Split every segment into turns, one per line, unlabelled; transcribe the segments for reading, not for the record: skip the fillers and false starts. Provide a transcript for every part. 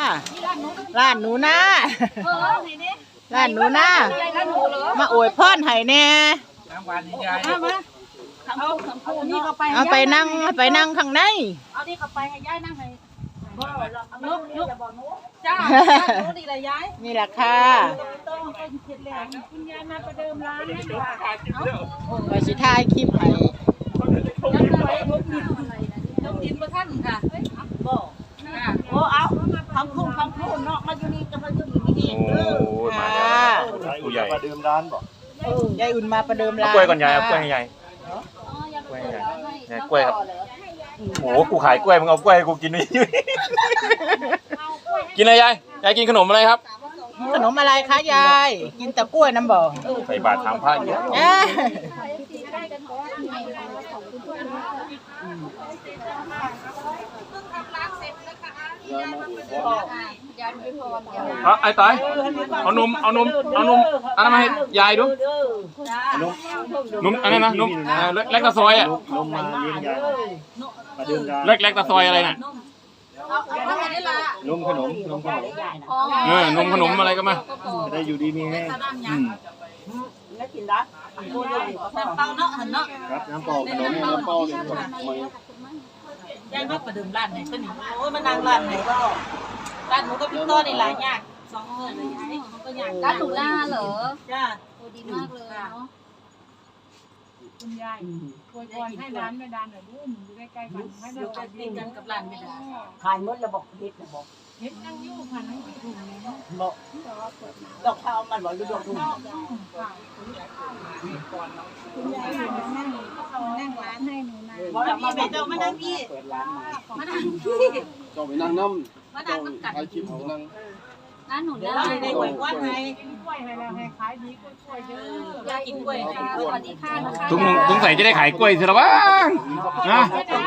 ร้านหนูนะร้านหนูนะมาอวยพรให้แน่เอาไปนั่งข้างใน
เอานี่เข้าไปให้ยายนั่งให้ลุกจ้านี่แหละยาย
นี่แหละค่ะ
คุณยายมาประเดิมร้านให้ค่ะ
ไปสิถ่ายคลิปให้
ต้องกินมาท่านค่ะ
บอกโอ้เอาคำพูดเนาะมาอยู่นี่จะมาอยู่นี่
โอ้มาแล้วผู้ใหญ่
มาดื่มร้านบอก
ยายอุ่นมาประเดิมร้าน
กล้วยก่อนยายเอากล้วยให้ยายกล้วยให้ยายเนี่ยกล้วยครับโอ้กูขายกล้วยมึงเอากล้วยให้กูกินนี่กินอะไรยายกินขนมอะไรครับ
ขนมอะไรคะยายกินแต่กล้วยน้ำบ่
ใส่บาตรทำผ้าเยอะไอ้ตายเอานมอันนั้นมาให้ยายดูนมอันนั้นนะนมเล็กตะซอยอ่ะ
นมมาเลี้ยงยายมาดื่มร้าน
เล็กตะซอยอะไรน่ะ
นมขนม
นมขนมอะไรก็มา
จะได้อยู่ดีมีแห้ง
แล้วกินได้
เปล่าเนาะเนาะ
ครับน้ำเปล่าขนมน้ำเปล่าเนี่ย
ยายมาประเดิมร้านไหนก็หนิโอ้ยมานั่งร้านไหนก็ร้านหนูก็พี่ต้นในหลายอย่าง2 มื้อเลยยายมันก็อย่าง
ร้านหนูล่าเหรอ
จ้า
โอ้ดีมากเลยเนาะ
คุณยายคอยให้ร้านไม่ดานหน่อยด้วยมันอยู่ใกล้ๆกันให้เรา
อยู่ติดกันกับร้านไม่ได้
ขายหมดแล้วบอกเฮ็ดนะบอก
เฮ็ดนั่งยู่พันนั่งถุงนี้
บอกดอกข้าวมันบอกดูดอกถุง
นั่งร้านให้หนูนะ
บอกพี่ไปเจ้ามานั่งพี่มานั่งพี่
เจ้าไปนั่งน้ำ
มานั่งกับกัน
ใครคิดนั่ง
ร้านหนูล่า
ในกล้วยวันไง
กล้วยให้แล้วให้ขายดีกล้วยเยอะ
ยายกินกล้วยค่ะ
สวัสดีค่ะนะคะ
สงสัยจะได้ขายกล้วยสิละบ้างนะ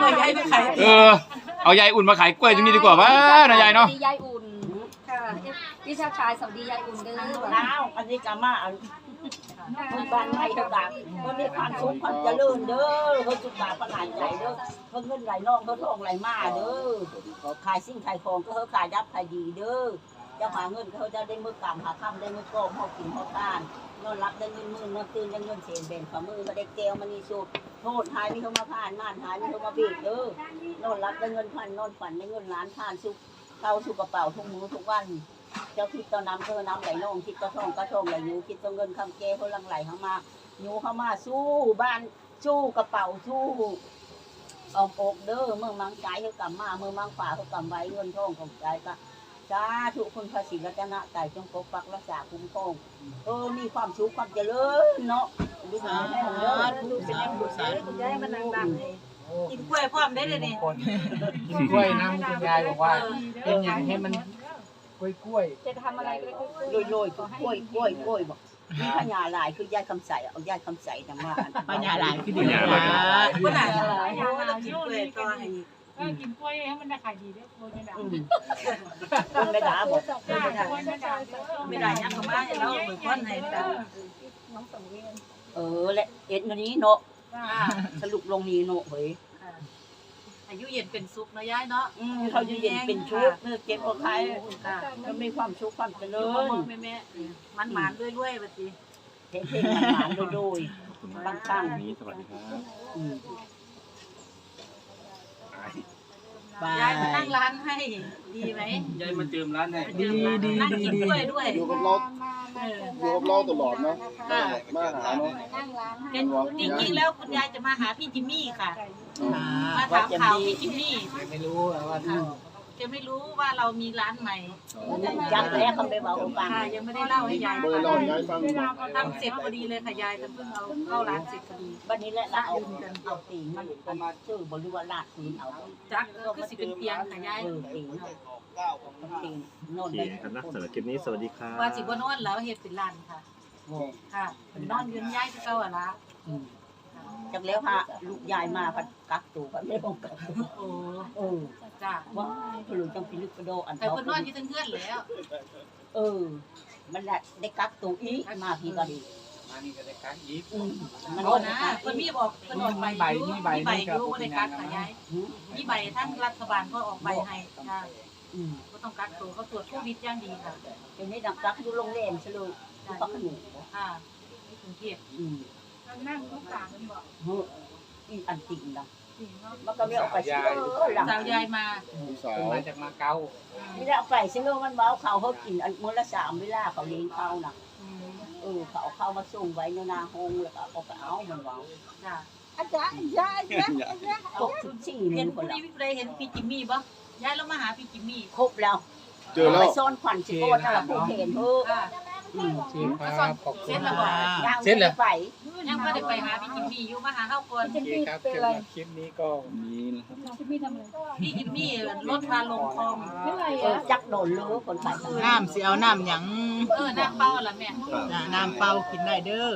เอายายอุ่นมาขายกล้วยตรงนี้ดีกว่าบ้านะยายเนาะ
ยายอุ่นค่ะพี่ชาชายสวัสดียายอุ่นเด้อ
แล้วอันนี้กามาคนบ้านไทยต่างๆมันมีความสุขความเจริญเด้อเขาสุขภาพประหลาดใจเด้อเขาเงินไหลน้องเขาทองไหลมาเด้อขายสิ่งขายของก็เขาขายดับขายดีเด้อจะหาเงินเขาจะได้มือกำหาคำได้มือกองเขากินเขาทานนอนรับได้เงินมื่นนอนตื่นได้เงินเสียนเบ่งฝ่ามือมาได้แก้วมันนี่สุดโทษหายมีเขามาผ่านม่านหายมีเขามาเบียดเด้อนอนรับได้เงินพันนอนฝันได้เงินล้านผ่านสุขเข้าสู่กระเป๋าทุกมื้อทุกวันเจ้าคิดต่อน้ำเธอน้ำไหลลงคิดต่อทองก็ทองไหลยูคิดต่อเงินคำเกเขาลังไหลเข้ามายูเข้ามาสู้บ้านสู้กระเป๋าสู้เอาอกเด้อเมื่อมังใจเขากำมาเมื่อมังฝ่าเขากำไว้เงินทองของใจก็สาธุคุณพระศรีรัตนตรัยจงปกปักรักษาคุ้มครองมีความสุขความเจริญเนาะดูสาธุดูเป็นบุญสาธุคุณยายมานั่งดัง
กินกล้วยพร้อมได้เลยนี่
กล้วยน้ำคุณยายบอกว่าเป็นอย่างให้มันกล้วย
จะทำอะไรก็ได้
โรยกล้วยบอกมีพญาลายคือยายคำใสเอายายคำใสนะมา
พญาลายคือดีนะ
ก็ไหนเรากินกล้วยต่อให้
กินกล้วยให้มันได้ขายดีด้วยกล้วยไม่ด่า
ไม่ด่าบอก
ไม่ได้ยังก็มาให้เราเหมือนคนให้ด่า
และเอ็ดนี้เนาะสรุปลงนี้เนาะเฮ้ย
อายุเย็นเป็นสุขนะยายเนาะ
เขาอยู่เย็นเป็นชุกเนื้อเก็บเอาขายก็มีความสุขความเจริญ
แม่มันหมานด้วยๆบัดนี้
เพลงมันหมานด้วยตั้ง
นี้สวัสดีครับ
ยายมานั่งร้านให้ดีไหม
ยายมาเติมร้านให้
ดี
นั่งกินด้วย
อยู่กับเราตลอดเนาะมาหาเนาะ
จริงๆแล้วคุณยายจะมาหาพี่จิมมี่ค่ะมาถามข่าวพี่จิมมี่
ไม่รู้ว่า
จะไม่รู้ว่าเรามีร้านใหม่
จับแล้วเขาไปบอกฟัง
ยังไม่ได้เล่าให้ยายทำเสร็จพอดีเลยค่ะยายเพิ่งเอาเข้าร้านเสร็จพอดี
วันนี้แหละเอาตีมันมาชื่อบริวารลาดพื้นเอา
จักคือสิเป็นเตียงค่ะยาย
ตีนอน
ได้ครับนะสำหรับคลิปนี้สวัสดีค่ะ
ว่าสิบนอนแล้วเฮ็ดเป็นร้านค่ะค่ะเป็นนอนยืนย้ายที่เก่าอ่ะละ
จากแล้วพาลูกยายมาพัดกักตัวกันไม่ต้องกัก
โอ้จ้า
ว่าผลุจังพิลึกกระโดอัน
แต่คนนอนอยู่ทั้งเพื่อนแล้ว
มันได้กักตัวอีกมาพี่ก็ดี
มานี่ก็ได้กักอีก
มันนะคนมีบอกคนออกใบรู้ว่าได้กักค่ะยายมีใบทั้งรัฐบาลก็ออกใบให้ค่ะก็ต้องกักตัวเขาตรวจโควิดอย่างดีค่ะ
เดี๋ยวนี้ดักรักอยู่โรงแรมซะเลยอยู่พักขนม
ค่ะที่กรุงเทพ
นั่งทุกอย่างมันบอก
เฮ้ยอีอันจริงนะ
จริงเนาะ
มันก็ไม่เอาไปเชื่อหลัง
สาวยายมา
ลูกสาว
มาจากมาเก๊า
ไม่ได้เอาไปเชื่อมันเมาเขาเขากินอันมื้อละ3เวลาเขาเลี้ยงเขาน่ะเขาเอาเข้ามาส่งไว้ในนาห้องแล้วก็เอาไปเอามันเมา
จ้ะ
อาจารย์64
เห็
นี่
น
ค
ผู้
น
ใด
ละ
ผู้ใดเห็นพี่จิมมี่บ่ยายเรามาหาพี่จิมมี่
ครบแล้ว
เจอแล้ว
ไปซ่อนขวัญสิโกนน่ะผู้เห็นเฮ้อ
ค่ะ
มาสอนขอบคุ
เซ็
ณ
นแล้วบ่
ยังไม่ได้ไป
ยังไม่ได้ไปหาพี่จิมมี่อยู่มาหาเฮาก่อน
โอเคครับสำหรับคลิปนี้ก็มีนะครับ
น้องพี่ทำอะไร
พี่จิมมี่รถพาลงคลอง
ไม่ไร
จักโดนเลยคนไป
น้ำสิเอาน้ำหยัง
น้ำเปล่าล่ะแม่
น้ำเปล่ากินได้เด้อ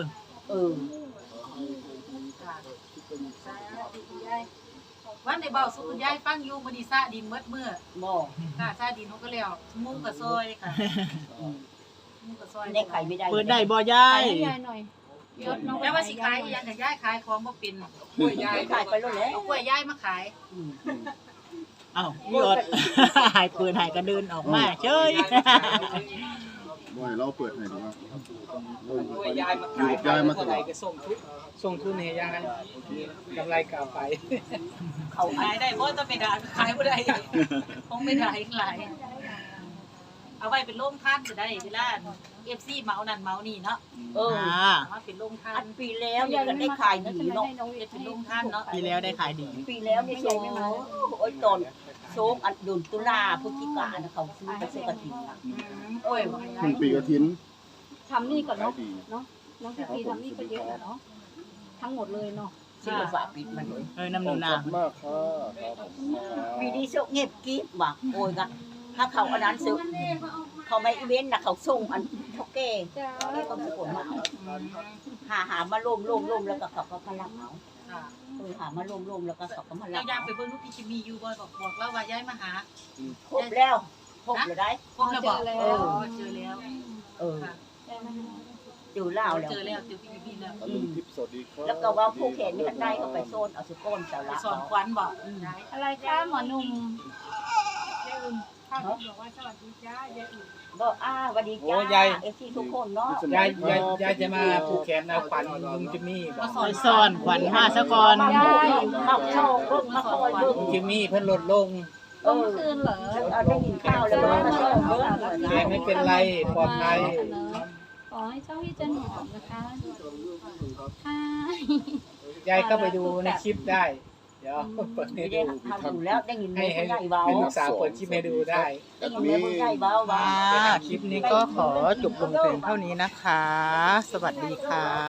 วันได้เบาสู่คุณยายฟังอยู่มื้อนี้ซาดินเบิดมื้อ
บ่
ค่ะซาดินเขาก็แล้วมุ้งกับซอยค่ะมุ้งกับซอย
ได้ไข่ไม่ได้
เปิดได้บ่ยาย
ยายหน่อยยศน้อง
แล้วว่าสิขายอีหยังก็ยายขายของบ่เป็น
กล้วยยายขายไปแล้วแหละ
เอากล้วยยายมาขาย
เอ้าพี่อด หายปืนหายกระเดินออกมาเฉย
บ่ให้เราเปิดให้ดูว่า
ย้ายมา
อยู่กับยายมาตลอด
ก็ส่งทุนให้ยายกำไรกลับไป
เขา
ขายได้บ่ต้องไปด่าขายบ่ได้คงไม่ได้อีกหลายเอาไว้เป็นโรงทานก็ได้เวลา FC เมานั่นเมานี่เนาะ
อ่า
เอามาเป็นโรงทา
อั
น
นปีแล้วเนี่ยก็ได้ขายดีเนาะ
เป็นโรงทานเนาะ
ปีแล้วได้ขายดี
ปีแล้วเนี่ยโชว์โอ้ยตอนโชว์อันดุนตุลาพฤศจิกาเนี่ยเขาซื้อไปซื้อกระถิ่นนะ
โอ้ย
ครึ่งปีกระถิน
ทำนี่ก่อน
ขาย
เนาะ
ดี
เนาะน้องพี่ทำนี่ก็เยอะเนาะทั้งหมดเลยเนาะ
ซื้อฝาปิดมันเลย
น้ำหนูนา
ขอบคุณมากค่ะครับผม
ปีนี้โชคเงียบกิ๊บว่ะโอ้ยกันถ้าเขาอันนั้นซื้อเขาไม่อีเวนต์นะเขาส่งอันเท่าแก่แก่ก็สกุลมาหามาร่วมแล้วก็เขาก็มารับเอา
ค่ะ
หามาร่วมแล้วก็เขาก็มารั
เรา
บ
อยากไปเบิ่งลูกพี่จิมมี่อยู่บ่บอกแล้วว่าย้ายมาหา
ครบแล้วครบเลยได้
พบแล้วบอกเจอแล้ว ค่ะ
อยู่ลาวแล้ว
เจอแล้วเจอพี่จิมมี่แล้ว
ตะลุงทิพย์สวัสดีครับ
แล้วก็ว่าผู้เขนนี่ได้ก็ไปโซนเอาสุโกนเจ้า
ไป
ละ
สอนควันบอกได้
อะไรคะหมอหนุ่ม
ยายอุ่นข้าวบอกว่าสวัสดีจ้ายายอุ่น
บอกสวัสดีจ้าเอฟซีทุกคนเนาะ
ยายจะมาผูกแขนเอาขวัญลุงจิมมี่บอก
ไปซ่อนขวัญมาซะก่อน
มาโชว์เบิ่งมาคอยเบิ่ง
ลุงจิมมี่เพิ่นลดลง
เมื่อคืนเหรอ
ได้กินข้าวแล้วมาโชว์เบิ่ง
แกไม่เป็นไรปลอดภัย
ขอให้เจ้าพี่จันหอมนะคะค่ะ
ยายก็ไปดูในคลิปได้ เดี๋ยวเปิดให้
ได้
ดู
ทำอยู่แล้วได้ยิน
ให้
แม่ใหญ่เบา
ให้ลูกสาวเปิดคลิปให้ดูได้
ได้ยินแม่ใหญ่เบา
คลิปนี้ก็ขอจบลงเพียงเท่านี้นะคะ สวัสดีค่ะ